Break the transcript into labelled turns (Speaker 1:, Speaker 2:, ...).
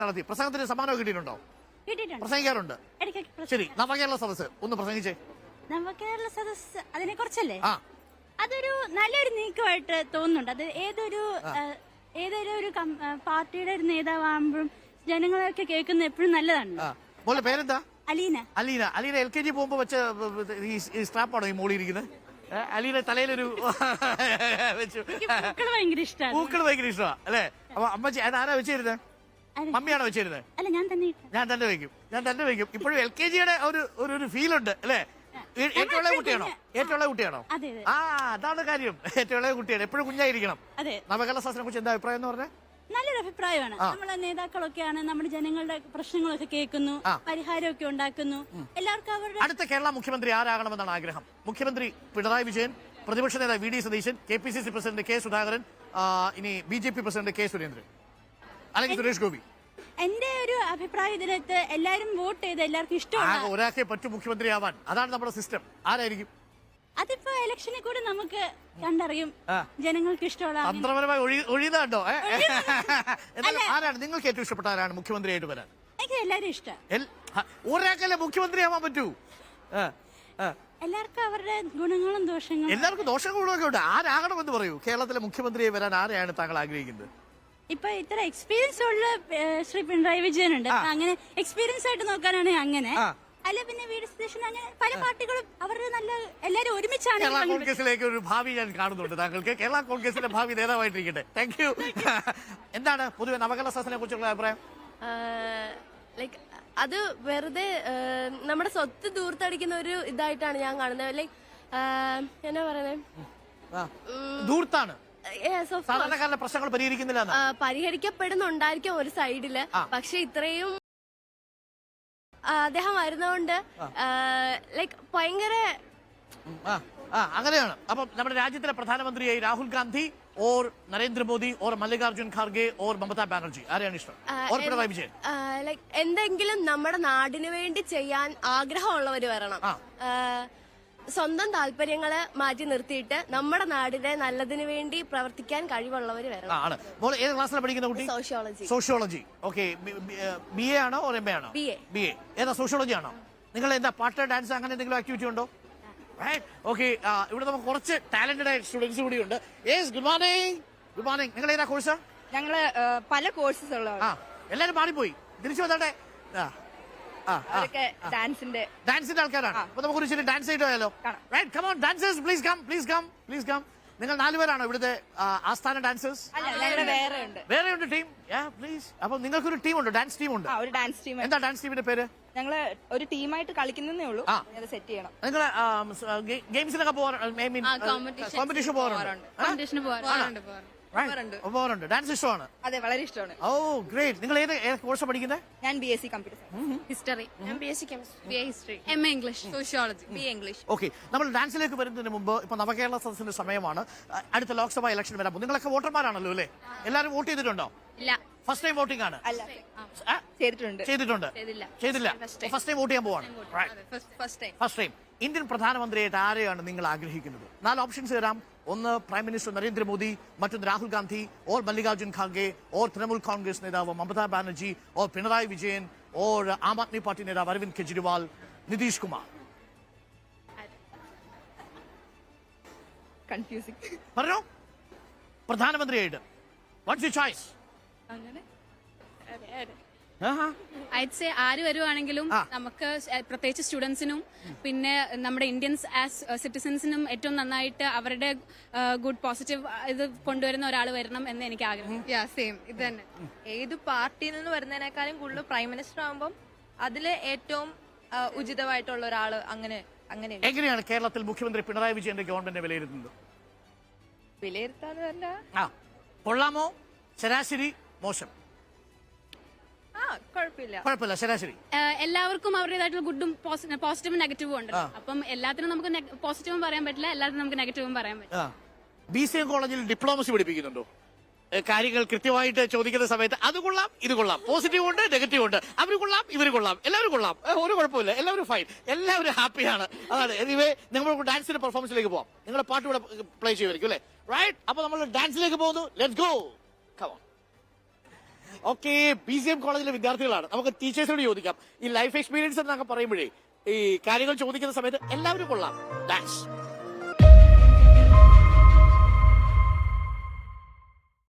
Speaker 1: നടത്തി. പ്രസംഗത്തിന് സമ്മാനം കിട്ടിയിട്ടുണ്ടോ? പ്രസംഗിക്കാറുണ്ട്. ശരി, നവകേരള സദസ്സ് ഒന്ന് പ്രസംഗിച്ചേ.
Speaker 2: നവകേരള സദസ്സ് അതിനെ കുറിച്ചല്ലേ? അതൊരു നല്ലൊരു നീക്കമായിട്ട് തോന്നുന്നുണ്ട്. അത് ഏതൊരു പാർട്ടിയുടെ ഒരു നേതാവാകുമ്പോഴും ജനങ്ങളൊക്കെ കേൾക്കുന്ന എപ്പോഴും നല്ലതാണ്.
Speaker 1: മോളുടെ പേരെന്താ?
Speaker 2: അലീന.
Speaker 1: അലീന. അലീന LKG പോകുമ്പോ വെച്ച ഈ സ്ട്രാപ്പാണോ ഈ മോളി ഇരിക്കുന്നത്? അലീന തലയിലൊരു
Speaker 2: ഭയങ്കര ഇഷ്ടമാണ്.
Speaker 1: പൂക്കൾ ഭയങ്കര ഇഷ്ടമാണ് അല്ലേ? അപ്പൊ അമ്മച്ചി അതാരാ വെച്ചിരുന്നത്? മമ്മിയാണോ വെച്ചിരുന്നത്?
Speaker 2: അല്ല, ഞാൻ തന്നെ
Speaker 1: വെക്കും. ഇപ്പോഴും LKGയുടെ ഒരു ഫീൽ ഉണ്ട് അല്ലേ? ഏറ്റവും ഇളയ കുട്ടിയാണോ? അതാണ് കാര്യം. ഏറ്റവും ഇളയ കുട്ടിയാണ്. എപ്പോഴും കുഞ്ഞായിരിക്കണം. നവകേരള സദസ്സിനെ കുറിച്ച് എന്താ അഭിപ്രായം എന്ന് പറഞ്ഞാൽ?
Speaker 2: നല്ലൊരു അഭിപ്രായമാണ്. നമ്മളെ നേതാക്കളൊക്കെയാണ് നമ്മുടെ ജനങ്ങളുടെ പ്രശ്നങ്ങളൊക്കെ കേൾക്കുന്നു, പരിഹാരമൊക്കെ ഉണ്ടാക്കുന്നു. എല്ലാവർക്കും അവരുടെ
Speaker 1: അടുത്ത കേരള മുഖ്യമന്ത്രി ആരാകണമെന്നാണ് ആഗ്രഹം? മുഖ്യമന്ത്രി പിണറായി വിജയൻ, പ്രതിപക്ഷ നേതാവ് VD Satheesan, KPCC president K Sudhakaran, ഇനി BJP പ്രസിഡന്റ് K സുരേന്ദ്രൻ, അല്ലെങ്കിൽ സുരേഷ് ഗോപി?
Speaker 2: എന്റെ ഒരു അഭിപ്രായം ഇതിനകത്ത് എല്ലാവരും വോട്ട് ചെയ്ത് എല്ലാവർക്കും ഇഷ്ടമാണ്.
Speaker 1: ഒരാൾക്കേ പറ്റും മുഖ്യമന്ത്രിയാവാൻ. അതാണ് നമ്മുടെ സിസ്റ്റം. ആരായിരിക്കും?
Speaker 2: അതിപ്പോ ഇലക്ഷനിൽ കൂടി നമുക്ക് കണ്ടറിയും. ജനങ്ങൾക്ക് ഇഷ്ടമുള്ള
Speaker 1: തന്ത്രപരമായി ഒഴിയുന്നുണ്ടോ? ആരാണ് നിങ്ങൾക്ക് ഏറ്റവും ഇഷ്ടപ്പെട്ട? ആരാണ് മുഖ്യമന്ത്രിയായിട്ട് വരാൻ?
Speaker 2: എനിക്ക് എല്ലാരും ഇഷ്ടം.
Speaker 1: ഒരാൾക്കല്ലേ മുഖ്യമന്ത്രിയാവാൻ പറ്റൂ?
Speaker 2: എല്ലാവർക്കും അവരുടെ ഗുണങ്ങളും ദോഷങ്ങളും.
Speaker 1: എല്ലാവർക്കും ദോഷങ്ങളൊക്കെ ഉണ്ട്. ആരാകണമെന്ന് പറയൂ. കേരളത്തിലെ മുഖ്യമന്ത്രിയെ വരാൻ ആരെയാണ് താങ്കൾ ആഗ്രഹിക്കുന്നത്?
Speaker 2: ഇപ്പൊ ഇത്ര എക്സ്പീരിയൻസ് ഉള്ള ശ്രീ പിണറായി വിജയൻ ഉണ്ട്. അങ്ങനെ എക്സ്പീരിയൻസ് ആയിട്ട് നോക്കാനാണെങ്കിൽ അങ്ങനെ. അല്ല, പിന്നെ VD സതീശൻ, അങ്ങനെ പല പാർട്ടികളും അവരുടെ നല്ല എല്ലാരും ഒരുമിച്ചാണ്.
Speaker 1: കേരള കോൺഗ്രസിലേക്ക് ഒരു ഭാവി ഞാൻ കാണുന്നുണ്ട് താങ്കൾക്ക്. കേരള കോൺഗ്രസിന്റെ ഭാവി നേതാവായിട്ടിരിക്കട്ടെ. Thank you. എന്താണ് പൊതുവെ നവകേരള സദസ്സിനെ കുറിച്ചുള്ള അഭിപ്രായം?
Speaker 3: ലൈക്ക് അത് വെറുതെ നമ്മുടെ സ്വത്ത് ദൂർത്തടിക്കുന്ന ഒരു ഇതായിട്ടാണ് ഞാൻ കാണുന്നത്. ലൈക്ക് എന്നാ പറയുന്നത്,
Speaker 1: ദൂർത്താണ്. സാധാരണക്കാരുടെ പ്രശ്നങ്ങൾ പരിഹരിക്കുന്നില്ല.
Speaker 3: പരിഹരിക്കപ്പെടുന്നുണ്ടായിരിക്കും ഒരു സൈഡില്, പക്ഷെ ഇത്രയും അദ്ദേഹം വരുന്നതുകൊണ്ട് ലൈക്ക് ഭയങ്കര
Speaker 1: അങ്ങനെയാണ്. അപ്പൊ നമ്മുടെ രാജ്യത്തിലെ പ്രധാനമന്ത്രിയായി Rahul Gandhi or Narendra Modi or Mallikarjun Kharge or Mamata Banerjee ആരെയാണ് ഇഷ്ടം? പിണറായി വിജയൻ.
Speaker 3: ലൈക്ക് എന്തെങ്കിലും നമ്മുടെ നാടിന് വേണ്ടി ചെയ്യാൻ ആഗ്രഹമുള്ളവര് വരണം. സ്വന്തം താല്പര്യങ്ങളെ മാറ്റി നിർത്തിയിട്ട് നമ്മുടെ നാടിന്റെ നല്ലതിന് വേണ്ടി പ്രവർത്തിക്കാൻ കഴിവുള്ളവർ വരണം.
Speaker 1: ഏത് ക്ലാസ്സിലാണ് പഠിക്കുന്ന കുട്ടി? സോഷ്യോളജി. ഓക്കെ. BA ആണോ MA ആണോ? BA. ഏതാ? സോഷ്യോളജി ആണോ? നിങ്ങൾ എന്താ പാട്ട്, ഡാൻസ് അങ്ങനെ എന്തെങ്കിലും ആക്ടിവിറ്റി ഉണ്ടോ? ഓക്കെ. ഇവിടെ നമുക്ക് കുറച്ച് ടാലന്റഡ് ആയ സ്റ്റുഡൻസ് കൂടി ഉണ്ട്. Good morning. നിങ്ങൾ ഏതാ കോഴ്സ്?
Speaker 4: ഞങ്ങള് പല കോഴ്സസ് ഉള്ളതാണ്.
Speaker 1: എല്ലാരും പാടിപ്പോയി. തിരിച്ചു വന്നാട്ടെ. ഡാൻസിന്റെ ആൾക്കാരാണ്. അപ്പൊ നമുക്ക് ഒരു ഡാൻസ് ആയിട്ട് പോയാലോ? നിങ്ങൾ 4 പേരാണോ ഇവിടുത്തെ ആസ്ഥാന ഡാൻസേഴ്സ്? വേറെ ഉണ്ട് ടീം. പ്ലീസ്. അപ്പൊ നിങ്ങൾക്കൊരു ടീമുണ്ട്, ഡാൻസ് ടീമുണ്ട്. എന്താ ഡാൻസ് ടീമിന്റെ പേര്?
Speaker 4: ഞങ്ങള് ഒരു ടീമായിട്ട് കളിക്കുന്നേ ഉള്ളൂ. സെറ്റ് ചെയ്യണം.
Speaker 1: നിങ്ങൾ ഗെയിംസിലൊക്കെ കോമ്പറ്റീഷൻ പോകാറുണ്ട്. ഡാൻസ് ഇഷ്ടമാണ്?
Speaker 4: അതെ, വളരെ ഇഷ്ടമാണ്.
Speaker 1: Oh great. നിങ്ങൾ ഏത് കോഴ്സ് പഠിക്കുന്നത്?
Speaker 4: ഞാൻ BSc കമ്പ്യൂട്ടർ
Speaker 3: ഹിസ്റ്ററി. ഞാൻ BSc chemistry, history,
Speaker 4: MA English, sociology, BA English.
Speaker 1: Okay. നമ്മൾ ഡാൻസിലേക്ക് വരുന്നതിന് മുമ്പ് ഇപ്പൊ നവകേരള സദസ്സിന്റെ സമയമാണ്. അടുത്ത ലോക്സഭാ ഇലക്ഷൻ വരാൻ പോകും. നിങ്ങളൊക്കെ വോട്ടർമാരാണല്ലോ അല്ലേ? എല്ലാവരും വോട്ട് ചെയ്തിട്ടുണ്ടോ?
Speaker 3: ഇല്ല.
Speaker 1: ഫസ്റ്റ് ടൈം വോട്ടിംഗ് ആണ്?
Speaker 4: ചെയ്തിട്ടുണ്ട്.
Speaker 1: ചെയ്തില്ല. ഫസ്റ്റ് ടൈം വോട്ട് ചെയ്യാൻ പോവാണ്. First time. ഇന്ത്യൻ പ്രധാനമന്ത്രിയായിട്ട് ആരെയാണ് നിങ്ങൾ ആഗ്രഹിക്കുന്നത്? 4 ഓപ്ഷൻസ് തരാം. ഒന്ന് പ്രൈം മിനിസ്റ്റർ നരേന്ദ്രമോദി, മറ്റൊന്ന് രാഹുൽ ഗാന്ധി ഓർ മല്ലികാർജുൻ ഖാർഗെ ഓർ തൃണമൂൽ കോൺഗ്രസ് നേതാവ് Mamata Banerjee or Pinarayi Vijayan or am Aadmi party നേതാവ് അരവിന്ദ് കെജ്രിവാൾ, നിതീഷ് കുമാർ.
Speaker 4: കൺഫ്യൂസിംഗ്.
Speaker 1: പറഞ്ഞോ. പ്രധാനമന്ത്രിയായിട്ട് what's your choice?
Speaker 5: I'd say ആര് വരുവാണെങ്കിലും നമുക്ക് പ്രത്യേകിച്ച് സ്റ്റുഡൻസിനും പിന്നെ നമ്മുടെ ഇന്ത്യൻസ് ആസ് സിറ്റിസൺസിനും ഏറ്റവും നന്നായിട്ട് അവരുടെ ഗുഡ് പോസിറ്റീവ് ഇത് കൊണ്ടുവരുന്ന ഒരാൾ വരണം എന്ന് എനിക്ക് ആഗ്രഹം.
Speaker 6: സെയിം ഇത് തന്നെ. ഏത് പാർട്ടിയിൽ നിന്ന് വരുന്നതിനേക്കാളും കൂടുതൽ പ്രൈം മിനിസ്റ്റർ ആകുമ്പോൾ അതില് ഏറ്റവും ഉചിതമായിട്ടുള്ള ഒരാള് അങ്ങനെ.
Speaker 1: എങ്ങനെയാണ് കേരളത്തിൽ മുഖ്യമന്ത്രി പിണറായി വിജയന്റെ ഗവൺമെന്റിനെ വിലയിരുത്തുന്നത്?
Speaker 6: വിലയിരുത്താനല്ല,
Speaker 1: കൊള്ളാമോ, ശരാശരി, മോശം? കുഴപ്പമില്ല, ശരാശരി.
Speaker 5: എല്ലാവർക്കും അവരുടേതായിട്ടുള്ള ഗുഡും പോസിറ്റീവും നെഗറ്റീവും ഉണ്ട്. അപ്പം എല്ലാത്തിനും നമുക്ക് പോസിറ്റീവും പറയാൻ പറ്റില്ല, എല്ലാത്തിനും നമുക്ക് നെഗറ്റീവും പറയാൻ പറ്റില്ല.
Speaker 1: BCM കോളേജിൽ ഡിപ്ലോമസി പഠിപ്പിക്കുന്നുണ്ടോ? കാര്യങ്ങൾ കൃത്യമായിട്ട് ചോദിക്കുന്ന സമയത്ത് അത് കൊള്ളാം, ഇത് കൊള്ളാം, പോസിറ്റീവ് ഉണ്ട്, നെഗറ്റീവ് ഉണ്ട്, അവർ കൊള്ളാം, ഇവർ കൊള്ളാം, എല്ലാവരും കൊള്ളാം, ഒരു കുഴപ്പമില്ല, എല്ലാവരും ഫൈൻ, എല്ലാവരും ഹാപ്പിയാണ്. അതാണ്. എനിവേ നമുക്ക് ഡാൻസിന്റെ പെർഫോമൻസിലേക്ക് പോവാം. നിങ്ങളുടെ പാട്ട് ഇവിടെ പ്ലേ ചെയ്യുമായിരിക്കും അല്ലേ? റൈറ്റ്. അപ്പൊ നമ്മൾ ഡാൻസിലേക്ക് പോകുന്നു. Let's go. Come on. Okay, PCM കോളേജിലെ വിദ്യാർത്ഥികളാണ്. നമുക്ക് ടീച്ചേഴ്സിനോട് ചോദിക്കാം. ഈ ലൈഫ് എക്സ്പീരിയൻസ് എന്നൊക്കെ പറയുമ്പോഴേ ഈ കാര്യങ്ങൾ ചോദിക്കുന്ന സമയത്ത് എല്ലാവരും കൊള്ളാം.